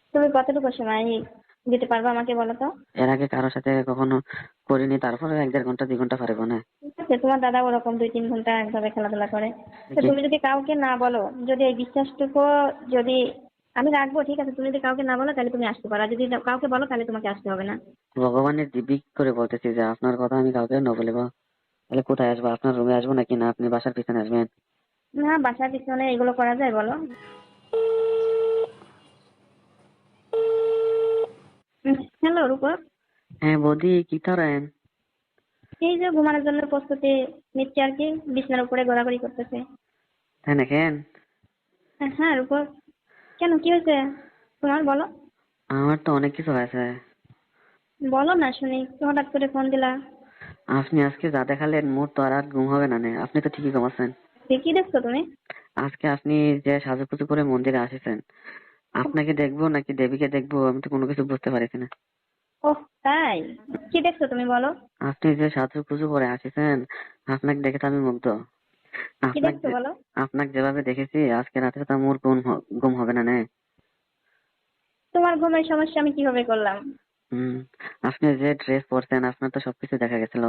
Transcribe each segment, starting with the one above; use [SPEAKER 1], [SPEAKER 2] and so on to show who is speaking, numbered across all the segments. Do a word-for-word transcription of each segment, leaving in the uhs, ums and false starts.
[SPEAKER 1] তুমি কতটুকু সময় দিতে পারবে আমাকে বলো তো?
[SPEAKER 2] এর আগে কারোর সাথে কখনো করিনি, তারপরে এক দেড় ঘন্টা দুই ঘন্টা পারবো না।
[SPEAKER 1] ঠিক আছে, তোমার দাদা ওরকম দুই তিন ঘন্টা একভাবে খেলাধুলা করে। তো
[SPEAKER 2] দেখি।
[SPEAKER 1] তুমি যদি কাউকে না বলো, যদি এই বিশ্বাসটুকু যদি আমি রাখবো, ঠিক আছে, তুমি যদি কাউকে না বলো তাহলে তুমি আসতে পারো, আর যদি কাউকে বলো তাহলে তোমাকে আসতে হবে না।
[SPEAKER 2] ভগবানের দিব্যি করে বলতেছি যে আপনার কথা আমি কাউকে ন বলবো। তাহলে কোথায় আসবো? আপনার রুমে আসবো নাকি না আপনি বাসার পিছনে আসবেন?
[SPEAKER 1] না, বাসার পিছনে এগুলো করা যায় বলো? হ্যালো রূপক।
[SPEAKER 2] হ্যাঁ বৌদি, কি করেন?
[SPEAKER 1] এই যে ঘুমানোর জন্য প্রস্তুতি নিচ্ছে আর কি, বিছানার উপরে ঘোরাঘুরি করতেছে।
[SPEAKER 2] তাই না? কেন?
[SPEAKER 1] হ্যাঁ রূপক, কেন কি হয়েছে তোমার বলো?
[SPEAKER 2] আমার তো অনেক কিছু হয়েছে।
[SPEAKER 1] বলো না শুনি, হঠাৎ করে ফোন দিলা।
[SPEAKER 2] আপনি আজকে যা দেখালেন মোর তো আর আর ঘুম হবে না নে। আপনি তো ঠিকই ঘুমাচ্ছেন।
[SPEAKER 1] কি দেখছো তুমি?
[SPEAKER 2] আজকে আপনি যে সাজুগুজু করে মন্দিরে আসেছেন, আপনাকে দেখবো নাকি দেবীকে দেখবো আমি তো কোনো কিছু বুঝতে পারছি না।
[SPEAKER 1] ওহ তাই? কি দেখছো তুমি বলো?
[SPEAKER 2] আপনি যে সাজুগুজু করে আসেছেন, আপনাকে দেখে তো আমি মুগ্ধ।
[SPEAKER 1] কি
[SPEAKER 2] আপনাকে
[SPEAKER 1] দেখছো
[SPEAKER 2] যে
[SPEAKER 1] বলো?
[SPEAKER 2] আপনাকে যেভাবে দেখেছি আজকে রাতে তো মোর ঘুম হ- ঘুম হবে না নে।
[SPEAKER 1] তোমার ঘুমের সমস্যা আমি কিভাবে করলাম?
[SPEAKER 2] হুম। আপনি যে ড্রেস পরছেন আপনার তো সবকিছু দেখা গেছিল।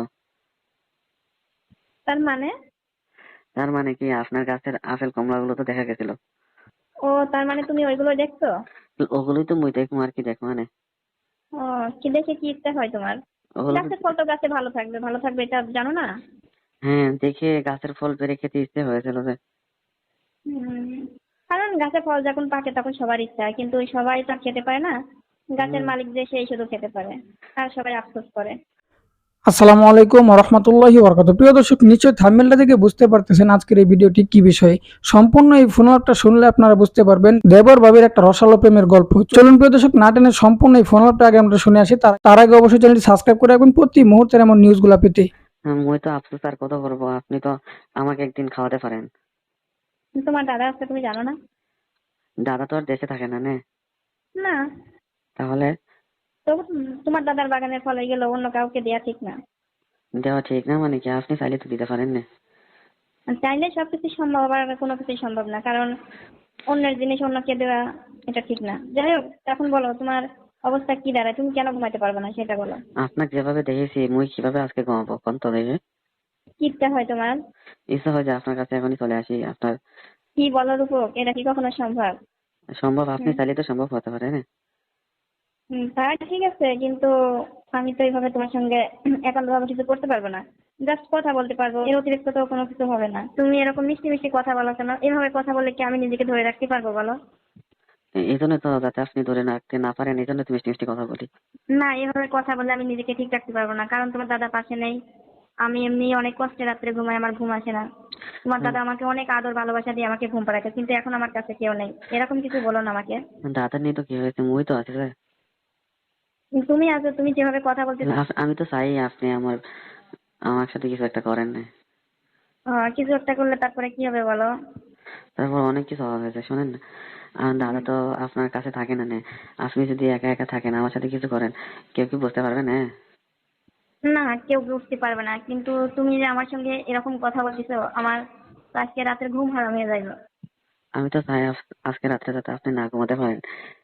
[SPEAKER 1] তার মানে?
[SPEAKER 2] তার মানে কি আপনার গাছের আপেল কমলা গুলো তো দেখা গেছিল।
[SPEAKER 1] ও, তার মানে তুমি ওইগুলো দেখছো?
[SPEAKER 2] তো ওগুলোই তো মুই দেখবো, আর কি দেখবো মানে।
[SPEAKER 1] ও, কি দেখে কি ইচ্ছা হয় তোমার?
[SPEAKER 2] ওগুলো
[SPEAKER 1] গাছের ফল তো গাছে ভালো থাকবে, ভালো থাকবে এটা জানো না?
[SPEAKER 2] হ্যাঁ, দেখে গাছের ফল পেড়ে খেতে ইচ্ছে হয়েছিল যে।
[SPEAKER 1] হুম, কারণ গাছের ফল যখন পাকে তখন সবার ইচ্ছা হয়, কিন্তু ওই সবাই তো আর খেতে পারে না। গাছের
[SPEAKER 2] হুম।
[SPEAKER 1] মালিক যে সেই শুধু খেতে পারে, আর সবাই আফসোস করে।
[SPEAKER 3] আসসালামু আলাইকুম ওয়া রাহমাতুল্লাহি ওয়া বারাকাতুহু। প্রিয় দর্শক, নিশ্চয়ই থাম্বনেলটা দেখে বুঝতে পারতেছেন আজকের এই ভিডিওটি কি বিষয়ে। সম্পূর্ণ এই ফোনআপটা শুনলে আপনারা বুঝতে পারবেন দেবর ভাবির একটা রসালো প্রেমের গল্প। চলুন প্রিয় দর্শক, না টেনে সম্পূর্ণ এই ফোনআপটা আগে আমরা শুনে আসি। তার তার আগে অবশ্যই চ্যানেলটি সাবস্ক্রাইব করে রাখবেন প্রতি মুহূর্তের এমন নিউজগুলো পেতে।
[SPEAKER 2] হ্যাঁ, মুই তো আফসোস আর কত করবো, আপনি তো আমাকে একদিন খাওয়াতে পারেন।
[SPEAKER 1] তোমার দাদা আছে তুমি জানো না?
[SPEAKER 2] দাদা তো আর দেশে থাকে না নে।
[SPEAKER 1] না।
[SPEAKER 2] তাহলে
[SPEAKER 1] তো উম, তোমার দাদার বাগানের ফল এগুলো অন্য কাউকে দেয়া ঠিক না।
[SPEAKER 2] দেওয়া ঠিক না মানে কি? আপনি চাইলে তো দিতে পারেন না।
[SPEAKER 1] আর চাইলে সবকিছু সম্ভব, আবার কোনো কিছুই সম্ভব না, কারণ অন্যের জিনিস অন্যকে দেওয়া এটা ঠিক না। যাই হোক, এখন বলো তোমার অবস্থা কি দাঁড়ায়, তুমি কেন ঘুমাইতে পারবে না সেটা বলো।
[SPEAKER 2] আপনাকে যেভাবে দেখেছি মুই কিভাবে আজকে ঘুমাবো কোন তো দেখে।
[SPEAKER 1] কি ইচ্ছা হয় তোমার?
[SPEAKER 2] ইচ্ছা হয় যে আপনার কাছে এখনই চলে আসি। আপনার
[SPEAKER 1] কি বলো রূপক, এটা কি কখনো সম্ভব?
[SPEAKER 2] সম্ভব, আপনি
[SPEAKER 1] হুম।
[SPEAKER 2] চাইলে তো সম্ভব হতে পারে না।
[SPEAKER 1] হুম, তা ঠিক আছে, কিন্তু আমি তো এইভাবে তোমার সঙ্গে একান্ত ভাবে কিছু করতে পারবো না। জাস্ট কথা বলতে পারবো, এর অতিরিক্ত তো কোনো কিছু হবে না। তুমি এরকম মিষ্টি মিষ্টি কথা বলো কেন? এভাবে কথা বললে কি আমি নিজেকে ধরে রাখতে পারবো বলো?
[SPEAKER 2] এই জন্য তো, যাতে আপনি ধরে রাখতে না পারেন এই জন্য তো মিষ্টি মিষ্টি কথা বলি।
[SPEAKER 1] না, এভাবে কথা বললে আমি নিজেকে ঠিক রাখতে পারবো না, কারণ তোমার দাদা পাশে নেই। আমি এমনি অনেক কষ্টে রাত্রে ঘুমাই, আমার ঘুম আসে না। তোমার
[SPEAKER 2] হুম।
[SPEAKER 1] দাদা আমাকে অনেক আদর ভালোবাসা দিয়ে আমাকে ঘুম পাড়াতে, কিন্তু এখন আমার কাছে কেউ নেই, এরকম কিছু বলো না আমাকে।
[SPEAKER 2] দাদা নেই তো কি হয়েছে, মুই তো আছি যে।
[SPEAKER 1] তুমি আছো, তুমি যেভাবে কথা বলতেছো।
[SPEAKER 2] আপ- আমি তো চাই আপনি আমার আমার সাথে কিছু একটা করেন না।
[SPEAKER 1] আহ, কিছু একটা করলে তারপরে কি হবে বলো?
[SPEAKER 2] তারপর অনেক কিছু হওয়া হয়েছে, শোনেন না। আমার দাদা তো আপনার কাছে থাকে না নে। আপনি যদি একা একা থাকেন আমার সাথে কিছু করেন, কেউ কি বুঝতে পারবে না?
[SPEAKER 1] না, কেউ বুঝতে পারবে না, কিন্তু তুমি যে আমার সঙ্গে এরকম কথা বলতেছো, আমার তো আজকে রাতের ঘুম হারাম হয়ে যাইলো।
[SPEAKER 2] আমি তো চাই আজ- আজকে রাত্রে যাতে আপনি না ঘুমাতে পারেন।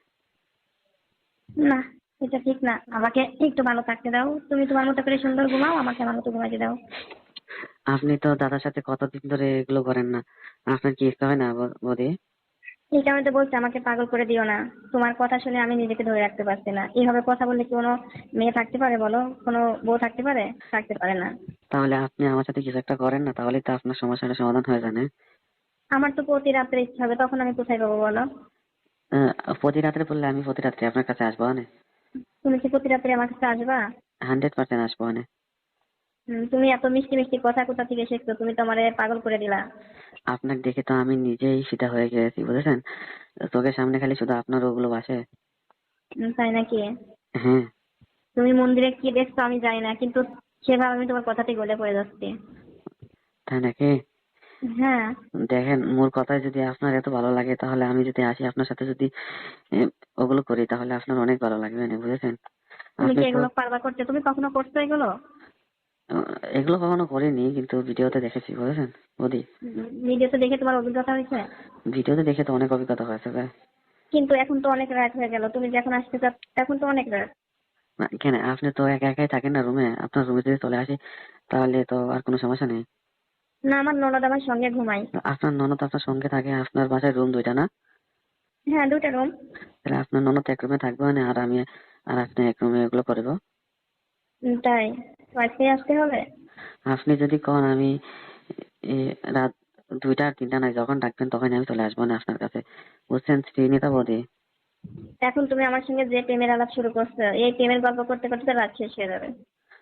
[SPEAKER 1] না, এটা ঠিক না, আমাকে একটু ভালো থাকতে দাও। তুমি তোমার মতো করে সুন্দর ঘুমাও, আমাকে আমার মতো ঘুমাইতে দাও।
[SPEAKER 2] আপনি তো দাদার সাথে কতদিন ধরে এগুলো করেন না। আপনার কি ইচ্ছা হয় না ব- বৌদি?
[SPEAKER 1] এই কারণে তো বলছি, আমাকে পাগল করে দিও না। তোমার কথা শুনে আমি নিজেকে ধরে রাখতে পারছি না। এইভাবে কথা বললে কি কোনো মেয়ে থাকতে পারে বলো? কোনো বউ থাকতে পারে? থাকতে পারে না।
[SPEAKER 2] তাহলে আপনি আমার সাথে কিছু একটা করেন না, তাহলে তো আপনার সমস্যাটা সমাধান হয়ে যায় না?
[SPEAKER 1] আমার তো প্রতি রাত্রে ইচ্ছা হবে, তখন আমি কোথায় পাবো বলো?
[SPEAKER 2] আহ, প্রতি রাত্রে বললে আমি প্রতি রাত্রে আপনার কাছে আসবো না।
[SPEAKER 1] তুমি কি প্রতি রাত্রে আমার কাছে আসবা?
[SPEAKER 2] হান্ড্রেড পার্সেন্ট আসবো না।
[SPEAKER 1] হুম, তুমি এত মিষ্টি মিষ্টি কথা কোথা থেকে শিখছো? তুমি তো আমারে পাগল করে দিলা।
[SPEAKER 2] আপনাকে দেখে তো আমি নিজেই ফিদা হয়ে গেছি, বুঝেছেন? চোখের সামনে খালি শুধু আপনার ওগুলো ভাসে।
[SPEAKER 1] হুম, তাই নাকি?
[SPEAKER 2] হ্যাঁ।
[SPEAKER 1] তুমি মন্দিরে কি দেখছো আমি জানি না, কিন্তু সেভাবে আমি তোমার কথাতেই গলে পড়ে যাচ্ছি।
[SPEAKER 2] তাই নাকি?
[SPEAKER 1] হ্যাঁ।
[SPEAKER 2] দেখেন, মোর কথায় যদি আপনার এত ভালো লাগে তাহলে আমি যদি আসি আপনার সাথে, যদি এ, ওগুলো করি তাহলে আপনার অনেক ভালো লাগবে না, বুঝেছেন?
[SPEAKER 1] তুমি
[SPEAKER 2] আপনি
[SPEAKER 1] কি
[SPEAKER 2] তো
[SPEAKER 1] এগুলো পারবা করতে? তুমি কখনো করছো এগুলো?
[SPEAKER 2] আহ, এগুলো কখনো করিনি কিন্তু ভিডিওতে দেখেছি, বুঝেছেন বৌদি?
[SPEAKER 1] ভিডিওতে দেখে তোমার অভিজ্ঞতা হয়েছে?
[SPEAKER 2] ভিডিওতে দেখে তো অনেক অভিজ্ঞতা হয়েছে ভাই।
[SPEAKER 1] কিন্তু এখন তো অনেক রাত হয়ে গেল, তুমি যখন আসতে চাও এখন তো অনেক রাত।
[SPEAKER 2] না, কেন আপনি তো একা একাই থাকেন না রুমে, আপনার রুমে যদি চলে আসি তাহলে তো আর কোনো সমস্যা নেই।
[SPEAKER 1] না, আমার ননদ আমার সঙ্গে ঘুমাই।
[SPEAKER 2] আপনার ননদ আপনার সঙ্গে থাকে, আপনার বাসায় রুম দুইটা না?
[SPEAKER 1] হ্যাঁ, দুটা রুম।
[SPEAKER 2] তাহলে আপনার ননদ এক রুমে থাকবে মানে, আর আমি আর আপনি এক রুমে এগুলো করবো।
[SPEAKER 1] তাই তো আজকে আসতে হবে?
[SPEAKER 2] আপনি যদি কন আমি এ, রাত দুইটা আর তিনটা নাই, যখন ডাকবেন তখন আমি চলে আসবো না আপনার কাছে, বুঝছেন শ্রীনিতা বৌদি?
[SPEAKER 1] এখন তুমি আমার সঙ্গে যে প্রেমের আলাপ শুরু করছো, এই প্রেমের গল্প করতে করতে তো রাত শেষ হয়ে যাবে।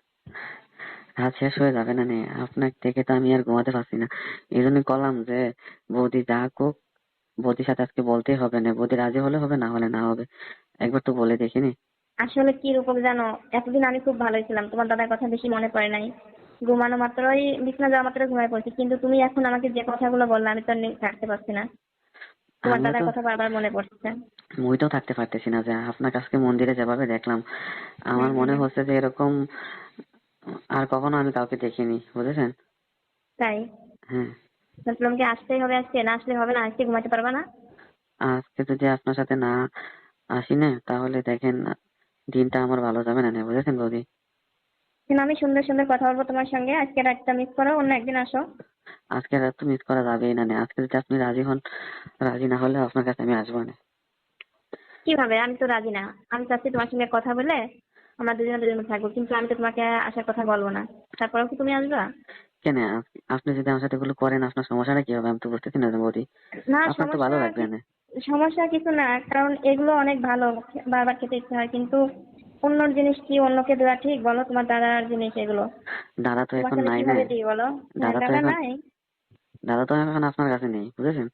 [SPEAKER 2] রাত শেষ হয়ে যাবে না নে, আপনার থেকে তো আমি আর ঘুমাতে পারছি না। এই জন্যই করলাম যে বৌদি যা কোক, বৌদির সাথে আজকে বলতেই হবে না, বৌদি রাজি হলে হবে, না হলে না হবে, একবার তো বলে দেখিনি।
[SPEAKER 1] আসলে কি রূপক জানো, এতদিন আমি খুব ভালোই ছিলাম, তোমার দাদার কথা বেশি মনে পড়ে নাই। ঘুমানো মাত্রই বিছানা যাওয়া মাত্র ঘুমায় পড়ছি, কিন্তু তুমি এখন আমাকে যে কথাগুলো বললে আমি তো আর নি- থাকতে পারছি না। তোমার
[SPEAKER 2] আমিও
[SPEAKER 1] দাদার
[SPEAKER 2] তো
[SPEAKER 1] কথা বারবার মনে পড়ছে।
[SPEAKER 2] মুইটাও থাকতে পারতেছি না, যে আপনার কাছকে মন্দিরে যেভাবে দেখলাম আমার
[SPEAKER 1] হুম
[SPEAKER 2] মনে
[SPEAKER 1] হুম।
[SPEAKER 2] হচ্ছে যে এরকম আর কখনো আমি কাউকে দেখিনি, বুঝেছেন?
[SPEAKER 1] তাই
[SPEAKER 2] হ্যাঁ।
[SPEAKER 1] তোমাকে আসতেই হবে, আজকে না আসলে হবে না, আজকে ঘুমাতে পারবা না?
[SPEAKER 2] আজকে যদি আপনার সাথে না আসি না তাহলে দেখেন দিনটা আমার ভালো যাবে না নে, বুঝেছেন বৌদি?
[SPEAKER 1] কিন্তু আমি সুন্দর সুন্দর কথা বলবো তোমার সঙ্গে, আজকে রাতটা মিস করো, অন্য একদিন আসো।
[SPEAKER 2] আজকে রাত তো মিস করা যাবেই না নে, আজকে যদি আপনি রাজি হন, রাজি না হলে আপনার কাছে আমি আসবো না।
[SPEAKER 1] কিভাবে? আমি তো রাজি না। আমি চাচ্ছি তোমার সঙ্গে কথা বলে আমরা দুজনে দুজনে থাকবো, কিন্তু আমি তো তোমাকে আসার কথা বলবো না। তারপরেও কি তুমি আসবা?
[SPEAKER 2] কেন আপ- আপনি যদি আমার সাথে এগুলো করেন আপনার সমস্যাটা কি হবে আমি তো বুঝতেছি না বৌদি।
[SPEAKER 1] না,
[SPEAKER 2] আপনার তো ভালো
[SPEAKER 1] সমস্যা
[SPEAKER 2] লাগবে
[SPEAKER 1] কি-
[SPEAKER 2] না।
[SPEAKER 1] সমস্যা কিছু না, কারণ এগুলো অনেক ভালো, বারবার খেতে ইচ্ছে হয়, কিন্তু অন্যর জিনিস কি অন্যকে দেওয়া ঠিক বলো? তোমার দাদার জিনিস এগুলো
[SPEAKER 2] দাদা তো
[SPEAKER 1] তোমাকে
[SPEAKER 2] এখন
[SPEAKER 1] আমি
[SPEAKER 2] নাই না।
[SPEAKER 1] কিভাবে দিই বলো? হ্যাঁ,
[SPEAKER 2] দাদা তো
[SPEAKER 1] দাদা
[SPEAKER 2] এখন
[SPEAKER 1] নাই।
[SPEAKER 2] দাদা তো এখন আপনার কাছে নেই, বুঝেছেন?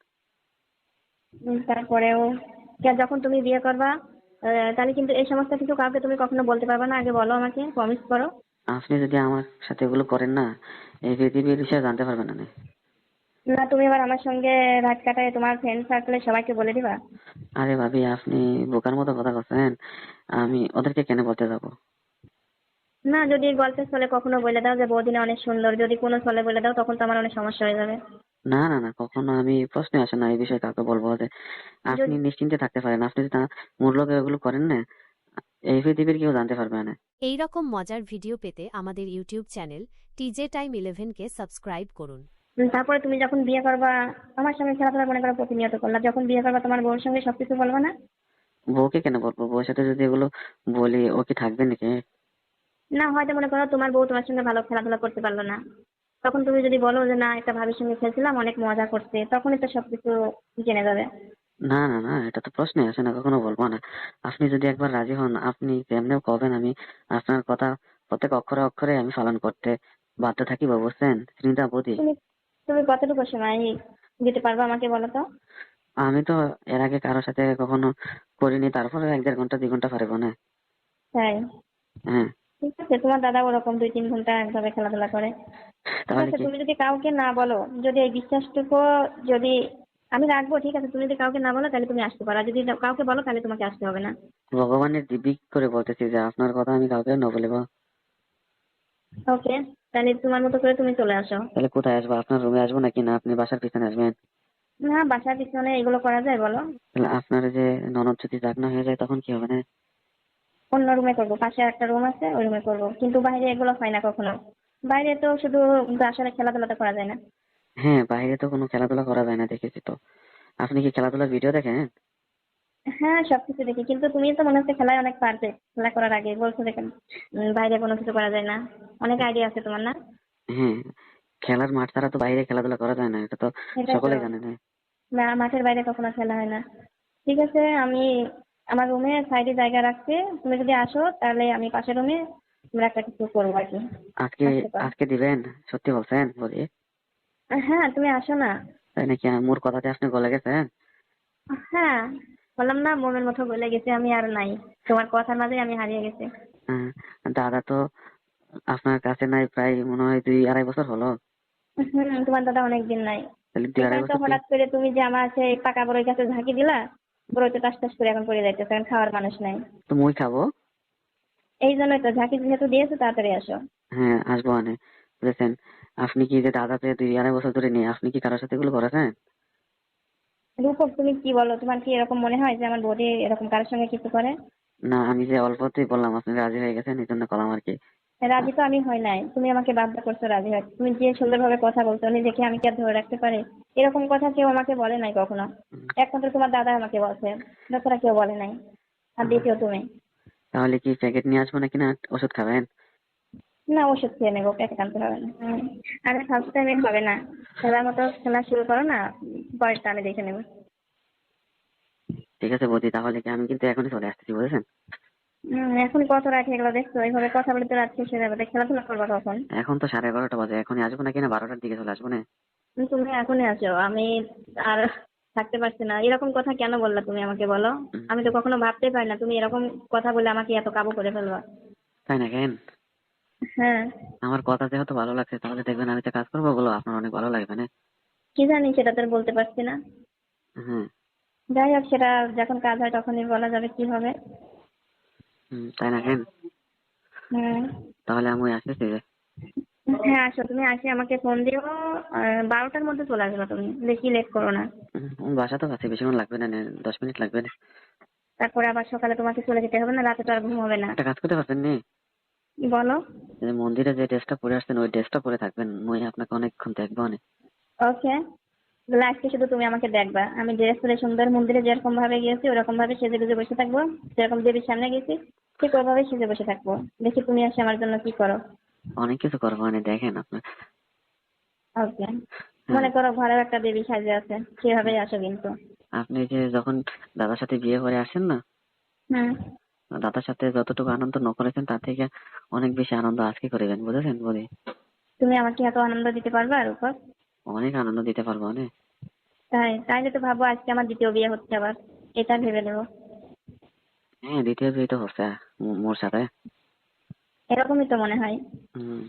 [SPEAKER 1] উম, তারপরেও কে- যখন তুমি বিয়ে করবা, আহ, তাহলে কিন্তু এই সমস্ত কিছু কাউকে তুমি কখনো বলতে পারবে না, আগে বলো, আমাকে প্রমিস করো।
[SPEAKER 2] আপনি যদি আমার সাথে এগুলো করেন না এই পৃথিবীর বিষয়ে জানতে পারবেন না নে।
[SPEAKER 1] না, তুমি এবার আমার সঙ্গে রাত কাটায় তোমার ফ্রেন্ড সার্কেলে সবাইকে বলে দিবা?
[SPEAKER 2] আরে ভাবি আপনি বোকার মতো কথা বলছেন, আমি ওদেরকে কেন বলতে যাবো?
[SPEAKER 1] না, যদি গল্পের ছলে কখনো বলে দাও যে বৌদিনা অনেক সুন্দর, যদি কোনো ছলে বলে দাও তখন তো আমার অনেক সমস্যা হয়ে যাবে।
[SPEAKER 2] না না না, কখনো আমি প্রশ্নে আসে না এই বিষয়ে কাউকে বলবো যে। আপনি
[SPEAKER 1] যদি
[SPEAKER 2] নিশ্চিন্তে থাকতে পারেন, আপনি যদি তা মূল্য এগুলো করেন না এই পৃথিবীর কেউ জানতে পারবে না।
[SPEAKER 4] এই রকম মজার ভিডিও পেতে আমাদের ইউটিউব চ্যানেল টিজে টাইম ইলেভেনকে সাবস্ক্রাইব করুন।
[SPEAKER 1] উম, তারপরে তুমি যখন বিয়ে করবা, আমার সঙ্গে খেলাধুলা মনে করো প্রতিনিয়ত করলা, যখন বিয়ে করবা তোমার বউর সঙ্গে সবকিছু বলবা না?
[SPEAKER 2] বউকে কেন বলবো? বউর সাথে যদি এগুলো বলি ও কি থাকবে নাকি?
[SPEAKER 1] না, হয়তো মনে করো তোমার বউ তোমার সঙ্গে ভালো খেলাধুলা করতে পারলো না, তখন তুমি যদি বলো যে না, একটা ভাবির সঙ্গে খেলছিলাম অনেক মজা করছে, তখনই তো সবকিছু জেনে যাবে।
[SPEAKER 2] না না না, এটা তো প্রশ্নই আসে না, কখনো বলবো না। আপনি যদি একবার রাজি হন আপনি যেমনিও কবেন, আমি আপনার কথা প্রত্যেক অক্ষরে অক্ষরে আমি পালন করতে বাধ্য থাকিব, বুঝছেন শ্রীনিতা বৌদি?
[SPEAKER 1] তুমি তুমি কতটুকু সময় দিতে পারবে আমাকে বলো তো?
[SPEAKER 2] আমি তো এর আগে কারোর সাথে কখনো করিনি, তারপরে এক দেড় ঘন্টা দুই ঘন্টা পারবো না।
[SPEAKER 1] তাই?
[SPEAKER 2] হ্যাঁ।
[SPEAKER 1] ঠিক আছে, তোমার দাদা ওরকম দুই তিন ঘন্টা একভাবে খেলাধুলা করে। ঠিক
[SPEAKER 2] তাহলে
[SPEAKER 1] আছে,
[SPEAKER 2] কি?
[SPEAKER 1] তুমি যদি কাউকে না বলো, যদি এই বিশ্বাসটুকু যদি আমি রাখবো, ঠিক আছে, তুমি যদি কাউকে না বলো তাহলে তুমি আসতে পারো, আর যদি কাউকে বলো তাহলে তোমাকে আসতে হবে না।
[SPEAKER 2] ভগবানের দিব্যি করে বলতেছি যে আপনার কথা আমি কাউকে ন বলিব।
[SPEAKER 1] ওকে, তাহলে তোমার মতো করে তুমি চলে আসো।
[SPEAKER 2] তাহলে কোথায় আসবো? আপনার রুমে আসবো নাকি না আপনি বাসার পিছনে আসবেন?
[SPEAKER 1] না, বাসার পিছনে এগুলো করা যায় বলো?
[SPEAKER 2] তাহলে আপনার যে ননদ যদি জাগনা হয়ে যায় তখন কি হবে না?
[SPEAKER 1] অন্য রুমে করবো, পাশে একটা রুম আছে, ওই রুমে করবো, কিন্তু বাইরে এগুলো হয় না কখনো। বাইরে তো শুধু আসলে খেলাধুলা তো করা যায় না।
[SPEAKER 2] হ্যাঁ, বাইরে তো কোনো খেলাধুলা করা যায় না, দেখেছি তো। আপনি কি খেলাধুলার ভিডিও দেখেন?
[SPEAKER 1] হ্যাঁ, সবকিছু দেখি, কিন্তু তুমি তো মনে হচ্ছে খেলায় অনেক পারফেক্ট, খেলা করার আগে বলছো দেখেন উম, বাইরে কোনো কিছু করা যায় না, অনেক আইডিয়া আছে তোমার না?
[SPEAKER 2] হ্যাঁ, খেলার মাঠ ছাড়া তো বাইরে খেলাধুলা করা যায় না, এটা তো
[SPEAKER 1] এটাই তো।
[SPEAKER 2] সকলেই জানে না।
[SPEAKER 1] না, মাঠের বাইরে কখনো খেলা হয় না। ঠিক আছে, আমি আমার রুমে সাইডে জায়গা রাখছি, তুমি যদি আসো তাহলে আমি পাশের রুমে আমরা একটা কিছু করবো আর কি।
[SPEAKER 2] আজকে
[SPEAKER 1] আসতে পারো।
[SPEAKER 2] আজকে দিবেন? সত্যি বলছেন বলি?
[SPEAKER 1] হ্যাঁ, তুমি আসো না।
[SPEAKER 2] তাই নাকি? মোর কথাতে আপনি গলে গেছেন?
[SPEAKER 1] হ্যাঁ, বললাম না, মোমের মতো গলে গেছে, আমি আর নাই, তোমার কথার মাঝে আমি হারিয়ে গেছি।
[SPEAKER 2] হ্যাঁ, দাদা তো আপনার কাছে নাই প্রায় মনে হয় দুই আড়াই বছর হলো।
[SPEAKER 1] হুম, তোমার দাদা অনেকদিন নাই।
[SPEAKER 2] তাহলে দুই আড়াই
[SPEAKER 1] এখানে তো
[SPEAKER 2] বছর কি?
[SPEAKER 1] হঠাৎ করে তুমি যে আমার সেই পাকা বড়ই গাছে ঝাঁকি দিলা, বড়ই তো টাস টাস করে এখন পড়ে যাইতেছে, কারণ খাওয়ার মানুষ নাই।
[SPEAKER 2] তো মই খাবো।
[SPEAKER 1] এই জন্যই তো ঝাঁকি যেহেতু দিয়েছো, তাড়াতাড়ি আসো।
[SPEAKER 2] হ্যাঁ আসবো মানে, বুঝেছেন? আপনি কি যে দাদা পেয়ে দুই আড়াই বছর ধরে নিয়ে আপনি কি কারোর সাথে এগুলো করেছেন?
[SPEAKER 1] রূপক, তুমি কি বলো? তোমার কি এরকম মনে হয় যে আমার বৌদি এরকম কারোর সঙ্গে কিছু করে?
[SPEAKER 2] না, আমি যে অল্পতেই বললাম আপনি রাজি হয়ে গেছেন, এই জন্য করলাম আর কি।
[SPEAKER 1] রাজি তো আমি হই নাই, তুমি আমাকে বাধ্য করছো রাজি হয়। তুমি যে সুন্দরভাবে কথা বলছো নিজেকে, আমি কি আর ধরে রাখতে পারি? এরকম কথা কেউ আমাকে বলে নাই কখনো।
[SPEAKER 2] উম,
[SPEAKER 1] একমাত্র তোমার দাদা আমাকে বলছে, তাছাড়া কেউ বলে নাই। আর
[SPEAKER 2] আহ,
[SPEAKER 1] দ্বিতীয় তুমি।
[SPEAKER 2] তাহলে কি প্যাকেট নিয়ে আসবো নাকি না ওষুধ খাবেন?
[SPEAKER 1] না, ওষুধ খেয়ে নেবো, প্যাকেট আনতে হবে না। হুম। আরে ফার্স্ট টাইমে হবে না, খেলার মতো খেলা শুরু করো না, পরেরটা আমি দেখে নেবো।
[SPEAKER 2] ঠিক আছে বৌদি, তাহলে কি আমি কিন্তু এখনই চলে আসতেছি, বুঝেছেন?
[SPEAKER 1] হম, এখন কত রাত হয়ে গেলো দেখছো? এইভাবে কথা বলে তো রাত শেষ হয়ে যাবে, তো খেলাধুলা করবো কখন?
[SPEAKER 2] এখন তো সাড়ে এগারোটা বাজে, এখনই আসবো নাকি না বারোটার দিকে চলে আসবো না?
[SPEAKER 1] উম, তুমি এখনই আসো, আমি আর থাকতে পারছি না। এরকম কথা কেন বললা তুমি আমাকে বলো?
[SPEAKER 2] উম,
[SPEAKER 1] আমি তো কখনো ভাবতেই পারি না তুমি এরকম কথা বলে আমাকে এত কাবু করে ফেলবা।
[SPEAKER 2] তাই না কেন?
[SPEAKER 1] হ্যাঁ।
[SPEAKER 2] আমার কথা যেহেতু ভালো লাগছে, তাহলে দেখবেন আমি যে কাজ করবো ওগুলো আপনার অনেক ভালো লাগবে না?
[SPEAKER 1] কি জানি, সেটা তো আর বলতে পারছি না।
[SPEAKER 2] হ্যাঁ।
[SPEAKER 1] যাই হোক, সেটা যখন কাজ হয় তখনই বলা যাবে কি হবে।
[SPEAKER 2] হুম, তাই না কেন?
[SPEAKER 1] হুম।
[SPEAKER 2] তাহলে আমি আসতেছি যে।
[SPEAKER 1] হ্যাঁ আসো, তুমি আসে আমাকে ফোন দিও। আহ, বারোটার মধ্যে চলে আসবে তুমি, বেশি লেট করো না।
[SPEAKER 2] হুম, বাসা তো কাছে, বেশিক্ষণ লাগবে না, নে, দশ মিনিট লাগবে না।
[SPEAKER 1] তারপরে আবার সকালে তোমাকে চলে যেতে হবে না, রাতে তো আর ঘুম হবে না।
[SPEAKER 2] একটা কাজ করতে পারবেন নি?
[SPEAKER 1] বলো।
[SPEAKER 2] যে মন্দিরে যে ড্রেসটা পরে আসছেন ওই ড্রেসটা পরে থাকবেন, মুই আপনাকে অনেকক্ষণ দেখবো অনেক।
[SPEAKER 1] ওকে। তাহলে আজকে শুধু তুমি আমাকে দেখবা, আমি ড্রেস পরে সুন্দর মন্দিরে যেরকম ভাবে গিয়েছি ওরকম ভাবে সেজে গুজে বসে থাকবো। যেরকম দেবীর সামনে গেছি ঠিক ওইভাবে সেজে বসে থাকবো। দেখি তুমি আসে আমার জন্য কি করো।
[SPEAKER 2] অনেক কিছু করবো মানে, দেখেন আপনার।
[SPEAKER 1] ওকে।
[SPEAKER 2] হ্যাঁ।
[SPEAKER 1] মনে করো ঘরেও একটা দেবী সাজে আছে, সেভাবেই আসো কিন্তু।
[SPEAKER 2] আপনি যে যখন দাদার সাথে বিয়ে করে আসেন না,
[SPEAKER 1] হুম।
[SPEAKER 2] দাদার সাথে যতটুকু আনন্দ ন করেছেন তার থেকে অনেক বেশি আনন্দ আজকে করবেন, বুঝেছেন বলি?
[SPEAKER 1] তুমি আমাকে এত আনন্দ দিতে পারবে আর উপর?
[SPEAKER 2] অনেক আনন্দ দিতে পারবো অনেক।
[SPEAKER 1] তাই তাই তো ভাবো আজকে আমার দ্বিতীয় বিয়ে হচ্ছে আবার, এটা ভেবে নেবো।
[SPEAKER 2] হ্যাঁ, দ্বিতীয় বিয়ে তো হচ্ছে মো- মোর সাথে।
[SPEAKER 1] এরকমই তো মনে হয়।
[SPEAKER 2] হুম,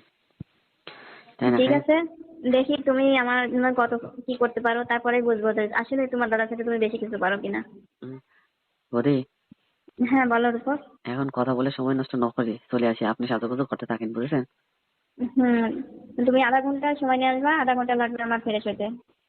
[SPEAKER 2] তাই না
[SPEAKER 1] ঠিক
[SPEAKER 2] খাই?
[SPEAKER 1] আছে, দেখি তুমি আমার জন্য কত কি করতে পারো, তারপরে বুঝবো যে আসলে তোমার দাদার সাথে তুমি বেশি কিছু পারো কিনা।
[SPEAKER 2] হুম, বৌদি,
[SPEAKER 1] হ্যাঁ বলো রূপক।
[SPEAKER 2] এখন কথা বলে সময় নষ্ট ন করে চলে আসি, আপনি সাজুগুজু করতে থাকেন, বুঝেছেন?
[SPEAKER 1] হুম। তুমি আধা ঘন্টা সময় নিয়ে আসবা, আধা ঘন্টা লাগবে আমার ফ্রেশ হতে।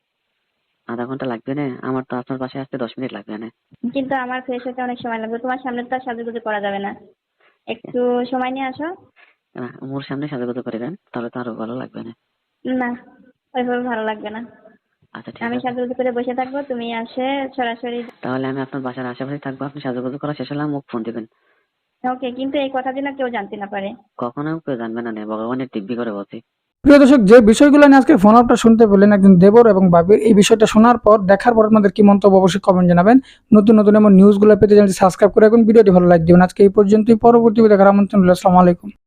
[SPEAKER 2] আধা ঘন্টা লাগবে না? আমার তো আপনার পাশে আসতে দশ মিনিট লাগবে না।
[SPEAKER 1] কিন্তু আমার ফ্রেশ হতে অনেক সময় লাগবে, তোমার সামনে তো আর সাজুগুজু করা যাবে না। একটু সময় নিয়ে আসো।
[SPEAKER 2] আহ, মোর সামনে সাজুগুজু করবেন তাহলে তো আরো ভালো লাগবে না?
[SPEAKER 1] না, ওইভাবে ভালো লাগবে না।
[SPEAKER 2] আচ্ছা ঠিক
[SPEAKER 1] আমি
[SPEAKER 2] আছে,
[SPEAKER 1] সাজুগুজু করে বসে থাকবো, তুমি আসে সরাসরি।
[SPEAKER 2] তাহলে আমি আপনার বাসার আশেপাশে থাকবো, আপনি সাজুগুজু করা শেষ হলে মোক ফোন দিবেন।
[SPEAKER 1] ওকে, কিন্তু এই কথা যেন কেউ জানতে না পারে।
[SPEAKER 2] কখনো কেউ জানবে না, নে ভগবানের দিব্যি করে বলছি।
[SPEAKER 3] প্রিয় দর্শক, যে বিষয়গুলো নিয়ে আজকে ফোন আপটা শুনতে পেলেন একজন দেবর এবং বাবির, এই বিষয়টা শোনার পর দেখার পর আপনাদের কি মন্তব্য অবশ্যই কমেন্ট জানাবেন। নতুন নতুন এমন নিউজগুলো পেতে চ্যানেলটি সাবস্ক্রাইব করে এখন ভিডিওটি ভালো লাইক দিবেন। আজকে এই পর্যন্তই, পরবর্তী ভিডিও দেখার আমন্ত্রণ রইলো। আসসালামু আলাইকুম।